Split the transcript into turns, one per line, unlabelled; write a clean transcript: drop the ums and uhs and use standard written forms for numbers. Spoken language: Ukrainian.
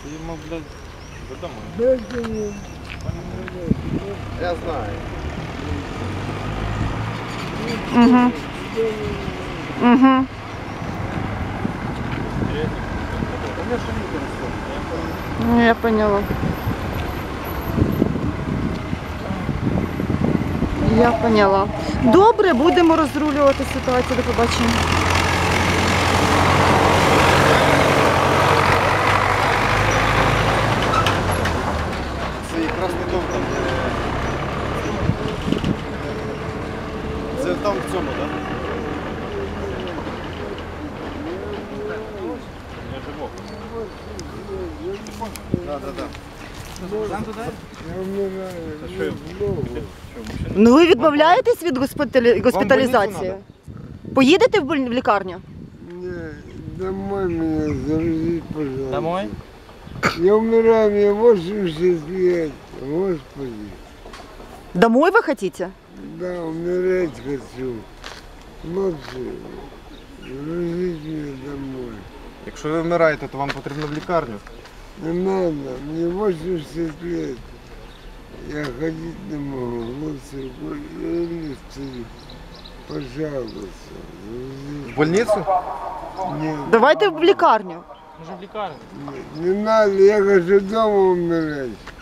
Ему, блядь, додому.
Я знаю.
Угу. Угу. Я поняла. Я поняла. Добре, будемо розрулювати ситуацію. До побачення.
Це якраз не дом там, де... Це там в цьому, так? Да.
Ну ви відмовляєтесь від госпіталізації? Поїдете в лікарню?
Не, домой меня завезите, пожалуйста.
Домой?
Я умираю, мне 80 лет, Господи.
Домой ви хочете?
Да, умирать хочу. Молодцы, завезите меня домой.
Якщо ви вмираєте, то вам потрібно в лікарню.
Не надо, мне 80 лет. Я ходить не могу, лучше не стою. Пожалуйста, завезите.
В больницю?
Нет,
Давайте в лікарню.
Може в лікарні?
не надо, я хочу дома умирать.